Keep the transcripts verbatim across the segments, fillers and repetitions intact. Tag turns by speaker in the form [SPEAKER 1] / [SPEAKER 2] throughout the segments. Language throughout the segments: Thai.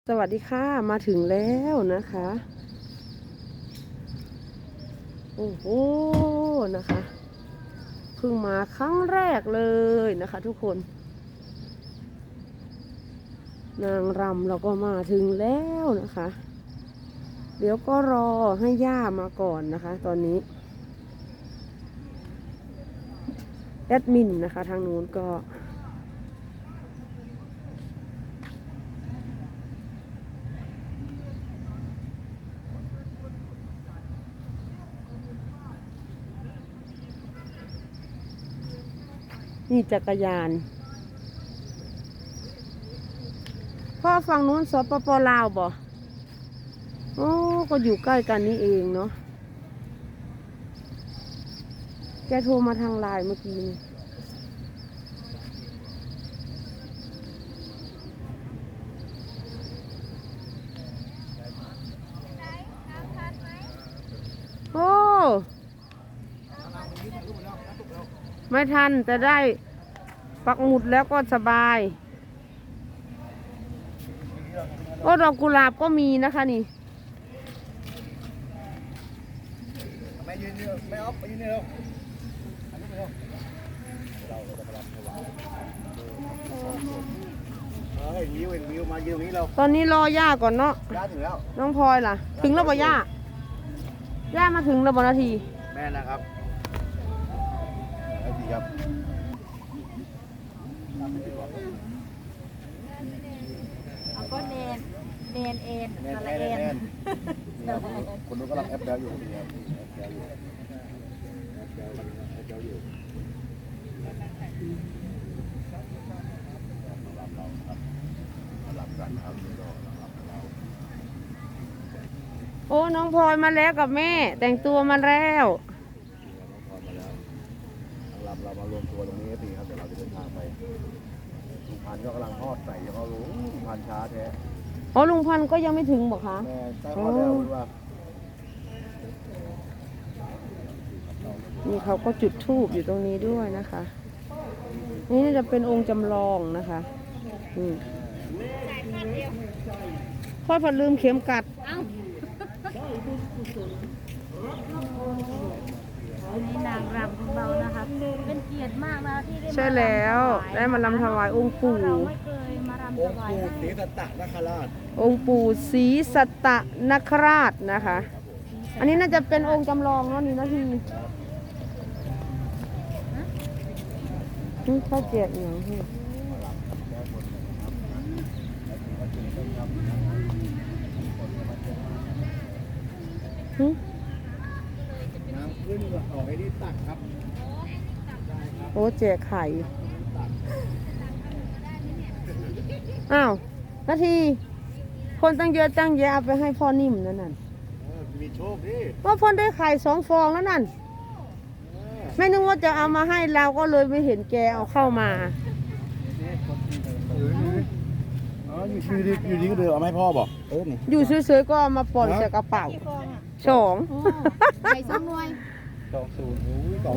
[SPEAKER 1] สวัสดีค่ะมาถึงแล้วนะคะโอ้โหนะคะเพิ่งมาครั้งแรกเลยนะคะทุกคนนางรำเราก็มาถึงแล้วนะคะเดี๋ยวก็รอให้ย่ามาก่อนนะคะตอนนี้แอดมินนะคะทางนู้นก็นี่จักรยานพ่อฝั่งนู้นสปปลาวบ่โอ้ก็อยู่ใกล้กันนี่เองเนาะแกโทรมาทางไลน์เมื่อกี้นี้โอ้ไม่ทันแต่ได้ปักหมุดแล้วก็สบายโอ้ดอกกุหลาบก็มีนะคะนี่
[SPEAKER 2] ไม่ยืนเดียวไม่ออฟไปยืนเดียวอันนี้ไปเร็วเราเราจะไปรับถวายเออเห็นวิวเห็นวิวมายืนตรงนี้เรา
[SPEAKER 1] ตอนนี้รอย่าก่อนเนาะ
[SPEAKER 2] ย่าถึงแล้ว
[SPEAKER 1] น้องพลอยล่ะถึงแล้วบ่ย่าย่ามาถึงแล้วบ่นาที
[SPEAKER 2] แม่นะครับไอ้ดีครับ
[SPEAKER 3] เอาก็เนนเนนเอ็น
[SPEAKER 2] แน่น
[SPEAKER 3] อะไร
[SPEAKER 2] แน่น
[SPEAKER 3] เอ็น
[SPEAKER 2] แน่นนี่ครับคนนู้นกำลังแอปแล้วอยู่นี่ครับแอปแล้วอยู่แอปแล้วแอปแล้วอยู่รับเราครับรับกันครับนี่ก็รับเรา
[SPEAKER 1] โอ้น้องพลอยมาแล้วกับแม่แต่งตัวมาแล้ว
[SPEAKER 2] พอมาแล้วทางลำเรามารวมตัวตรงนี้ก็ดีครับเดี๋ยวเราจะเดินทางไปลุงพันธุ์ก็กำลังทอดใส่ยังเขารู้ลุงพันธุ์ช้าแท้
[SPEAKER 1] อ๋อลุงพันธุ์ก็ยังไม่ถึงบอกคะ
[SPEAKER 2] แม่ใกล้ทอดแล้วว่า
[SPEAKER 1] นี่เขาก็จุดธูปอยู่ตรงนี้ด้วยนะคะ นี่จะเป็นองค์จำลองนะคะอืมพ่อผัดลืมเข็มกัด
[SPEAKER 3] เอ้าอันนี้นางรำของเรานะคะเป็นเกียรติมากนะที่ได้มา
[SPEAKER 1] ใช่แล้วได้มาลำถวายองค์ปู่
[SPEAKER 3] เราไม่เคยมารำ
[SPEAKER 2] อ
[SPEAKER 3] ถ
[SPEAKER 2] งค์
[SPEAKER 3] วาย
[SPEAKER 2] ปู่
[SPEAKER 3] ให้
[SPEAKER 2] ศรีสัตตนคราช
[SPEAKER 1] องค์ปู่ศรีสัตตนคราชนะคะ อันนี้น่าจะเป็นองค์จำลองเนาะนี่นาทีนี่ข้าวเจียกอย่างที่หึ
[SPEAKER 2] น้ำขึ้นออกไอ้นี่ตักครับ
[SPEAKER 1] โอ้แจกไข่ อ้าวนาที คนตั้งเยอะตั้งแยะเอาไปให้พ่อนิ่มนั่นน่ะ
[SPEAKER 2] เออมีโชคดิ
[SPEAKER 1] ว่าพ่อได้ไข่สองฟองแล้วนั่น ไม่นึกว่าจะเอามาให้เราก็เลยไม่เห็นแกเอาเข้ามา
[SPEAKER 2] อ๋ออยู่ดีอยู่ดีก็เดินเอามาให้พ่อบอกเออนี่
[SPEAKER 1] อยู่เฉยๆก็เอามาปล่อยใส่กระเป๋าสอง
[SPEAKER 3] ไข่ส้มนวย
[SPEAKER 2] สองศูนย์โอ้ยสอง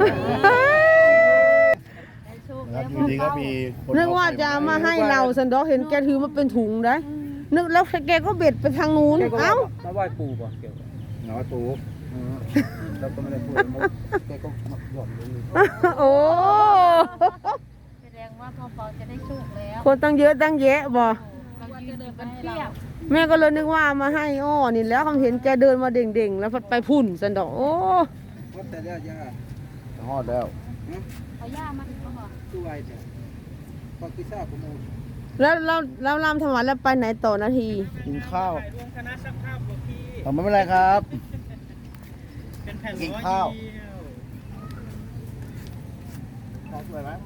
[SPEAKER 3] ได้โชค
[SPEAKER 2] นะค
[SPEAKER 3] แล้
[SPEAKER 2] รับ
[SPEAKER 3] ว
[SPEAKER 2] อยู่ดีก็มีคน
[SPEAKER 1] นึกว่าจะเอามาให้เราสันดอกเห็นแกถือมาเป็นถุงได้นึกแล้วแกก็เบ็ดไปทางนู้นเอ้า
[SPEAKER 4] มาไหว้ปู่ป่ะเกี่ยวกับ
[SPEAKER 2] หนอตูแล้วก็ไม่ได้พูดแกก็หย่อนลง
[SPEAKER 1] โอ้
[SPEAKER 3] แสดงว่าพ่อปอจะได้โชคแล้ว
[SPEAKER 1] คนตั้งเยอะตั้งแยะบ่
[SPEAKER 3] เรายืนเดินกันเพียบ
[SPEAKER 1] แม่ก็เลยนึกว่าเอามาให้อ้อนี่แล้วเขาเห็นแกเดินมาเด่งๆแล้วไปพุ่นสันดอกโอ้
[SPEAKER 2] แต่ย่าย่าฮอดแล้ว
[SPEAKER 3] เอาย่ามาถึงแล้วเหรอ
[SPEAKER 2] ตู้ไอ้เนี่ยพอกิซ่าประมูล
[SPEAKER 1] แล้วเราเราลำถวายแล้วไปไหนต่อนาที
[SPEAKER 2] กินข้าว
[SPEAKER 4] รวมคณะช่างภาพหลวงพี่
[SPEAKER 2] เอาไม่เป็นไรครับ
[SPEAKER 4] เป็นแผ่น
[SPEAKER 2] กิน
[SPEAKER 4] ร้อย
[SPEAKER 2] ข้าว
[SPEAKER 4] เดียว
[SPEAKER 2] ข้าวสวยไหม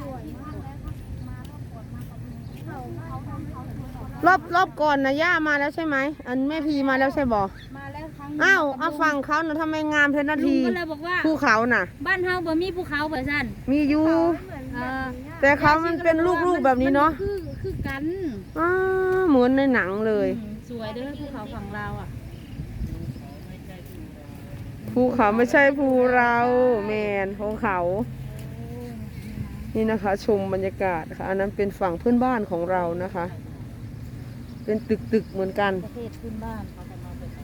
[SPEAKER 1] รอบรอบก่อนนะย่ามาแล้วใช่ไหมอันแม่พีมาแล้วใช่บ่
[SPEAKER 3] มาแล้วครั้งหนึ่ง
[SPEAKER 1] อ้าวเอาฟังเขานะทำไมงามเพชรนา
[SPEAKER 3] ลุ
[SPEAKER 1] ที
[SPEAKER 3] งก็เลยบอกว่า
[SPEAKER 1] ภูเขาน่ะ
[SPEAKER 3] บ้านเฮาบ่มีภูเขาบ่ซั่น
[SPEAKER 1] มีอยู่
[SPEAKER 3] เออ
[SPEAKER 1] แต่เขามันเป็นลูกๆแบบนี้เนาะ
[SPEAKER 3] คือคือกัน
[SPEAKER 1] อ้าเหมือนในหนังเลย
[SPEAKER 3] อืมสวยเด้อภูเขาฝั่งเราวอ่ะ
[SPEAKER 1] ภูเขาไม่ใช่ภูเราแมนภูเขา นี่นะคะ ชมบรรยากาศค่ะอันนั้นเป็นฝั่งเพื่อนบ้านของเรานะคะเป็นตึกตึกๆเหมือนกัน
[SPEAKER 3] ประเทศพื้นบ้านเขาจะมาเป็น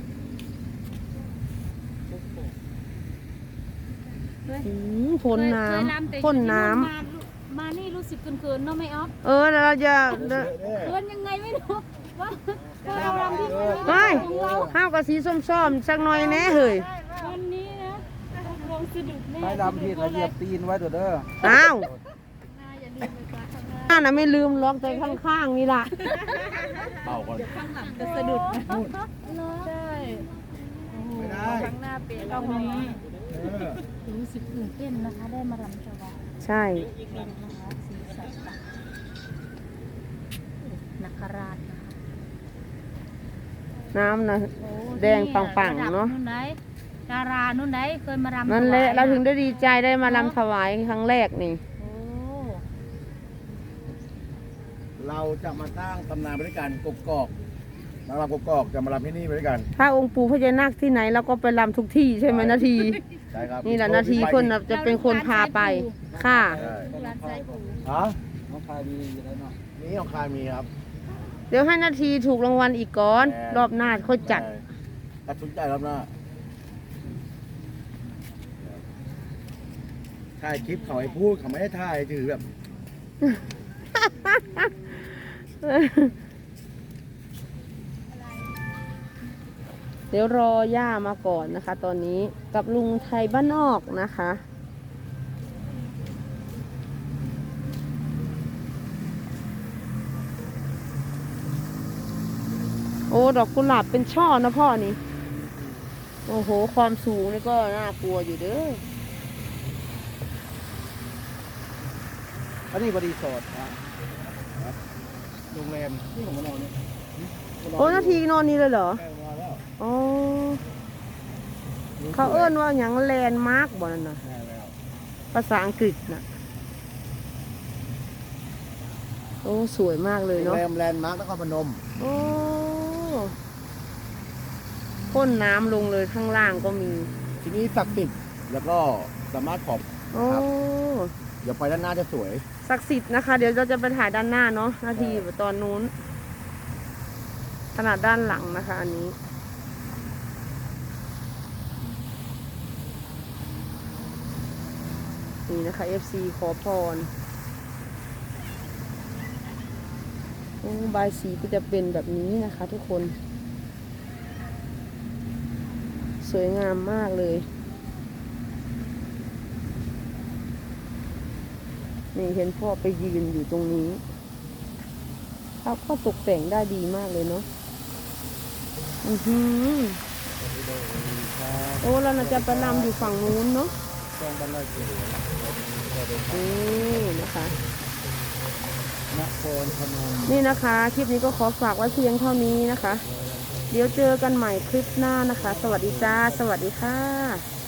[SPEAKER 1] อืมพ่นน้ำพ่นน้ำ
[SPEAKER 3] มามานี่รู้สึกเกินๆเนาะไม่ออฟ
[SPEAKER 1] เออแล้วเราจะ
[SPEAKER 3] เกินยังไงไม่รู้ว่าพอเรารำที่
[SPEAKER 1] เฮ้ย
[SPEAKER 3] ของเรา
[SPEAKER 1] ข้าวกับสีส้มๆสักหน่อยแน่เฮ้ย
[SPEAKER 3] วันนี้นะลงสะดุดแน่
[SPEAKER 4] ไม่ดำผิดแล้วเหยียบตีนไว้เด้อเด้อ
[SPEAKER 1] อ้าว
[SPEAKER 3] อย่าลืมไปกราบข้างหน้า
[SPEAKER 1] น่าน่ะไม่ลืมล็อกใจข้างๆนี่ล่ะ
[SPEAKER 2] เป่าก่อน
[SPEAKER 3] ข้างหลังจะสะดุดนะใช่
[SPEAKER 2] ไม่ได้
[SPEAKER 3] ข้างหน้าเป็นเราวันนี้รู้สึกตื่นเต้นนะคะ ได้มารำถวาย
[SPEAKER 1] ใช่
[SPEAKER 3] นะคะสีสันต่างนักราชนะคะ
[SPEAKER 1] น้ำนะ
[SPEAKER 3] โอ้
[SPEAKER 1] แดงปังๆเนอะ
[SPEAKER 3] ระดับนู่นไหนดารานู่นไหนเคยมารำ
[SPEAKER 1] นั่นแหละ
[SPEAKER 3] ถวาย
[SPEAKER 1] เราถึงได้ดีใจได้มาลำถวายครั้งแรกนี่
[SPEAKER 3] โอ้
[SPEAKER 2] เราจะมาสร้างตำนานไปด้วยกันกกอกนางรำกกอกจะมาลำที่นี่ไปด้วยกัน
[SPEAKER 1] ถ้าองค์ปู่พญานาคที่ไหนเราก็ไปลำทุกที่ใช่ไหมนาที
[SPEAKER 2] ใช่ครับ
[SPEAKER 1] นี่แหละนาทีคนน่ะจะเป็นคนพาไป ค่ะ
[SPEAKER 2] ใช่
[SPEAKER 3] ร้านไส้ปู
[SPEAKER 2] ฮะ
[SPEAKER 4] น้องคายมีอยู่แล้วเนาะ
[SPEAKER 2] นี่ของคายมีครับ
[SPEAKER 1] เดี๋ยวให้นาทีถูกรางวัลอีกก่อน
[SPEAKER 2] แน่
[SPEAKER 1] รอบหน้าค่อยจัด
[SPEAKER 2] ตัดชุนใจรอบหน้าถ่ายคลิปเขาให้พูดเขาไม่ให้ถ่ายถือแบบ
[SPEAKER 1] เดี๋ยวรอย่ามาก่อนนะคะ ตอนนี้กับลุงไทยบ้านนอกนะคะ โอ้ ดอกกุหลาบเป็นช่อนะพ่อนี่ โอ้โห ความสูงนี่ก็น่ากลัวอยู่เด้อ
[SPEAKER 2] อันนี้บรีสอร์ทนะโรงแรมที่ผมมานอนเนี่ย
[SPEAKER 1] โอ้นาทีนอนนี่เลยเหรอ
[SPEAKER 2] แม่มาแล้ว
[SPEAKER 1] อ๋อ เขาเอิ้นว่าอย่างแลนด์มาร์กบ่นั่นน่ะ
[SPEAKER 2] แม่แล้ว
[SPEAKER 1] ภาษาอังกฤษน่ะ โอ้ สวยมากเลย
[SPEAKER 2] โรง
[SPEAKER 1] เนาะ
[SPEAKER 2] แรมแลนด์มาร์กนครพนม
[SPEAKER 1] โอ้พ่นน้ำลงเลยข้างล่างก็มี
[SPEAKER 2] ที่นี่ศักดิ์สิทธิ์แล้วก็สามารถขอบ
[SPEAKER 1] โอ้
[SPEAKER 2] เดี๋ยวไปด้านหน้าจะสวย
[SPEAKER 1] ศักดิ์สิทธิ์นะคะ เดี๋ยวเราจะไปถ่ายด้านหน้าเนาะนาทีตอนนู้น ขนาดด้านหลังนะคะ อันนี้ นี่นะคะ เอฟ ซี ขอพรโอ้บายสีก็จะเป็นแบบนี้นะคะ ทุกคน สวยงามมากเลย นี่เห็นพ่อไปยืนอยู่ตรงนี้เขาก็ตกแต่งได้ดีมากเลยเนาะ อือหือโอ้เราน่าจะไปรำอยู่ฝั่งนู้นเนาะ
[SPEAKER 2] ช่องบ้านไร่เกลือ
[SPEAKER 1] นี่นะคะ
[SPEAKER 2] นครพนม
[SPEAKER 1] นี่นะคะ คลิปนี้ก็ขอฝากไว้เพียงเท่านี้นะคะ เดี๋ยวเจอกันใหม่คลิปหน้านะคะ สวัสดีจ้า สวัสดีค่ะ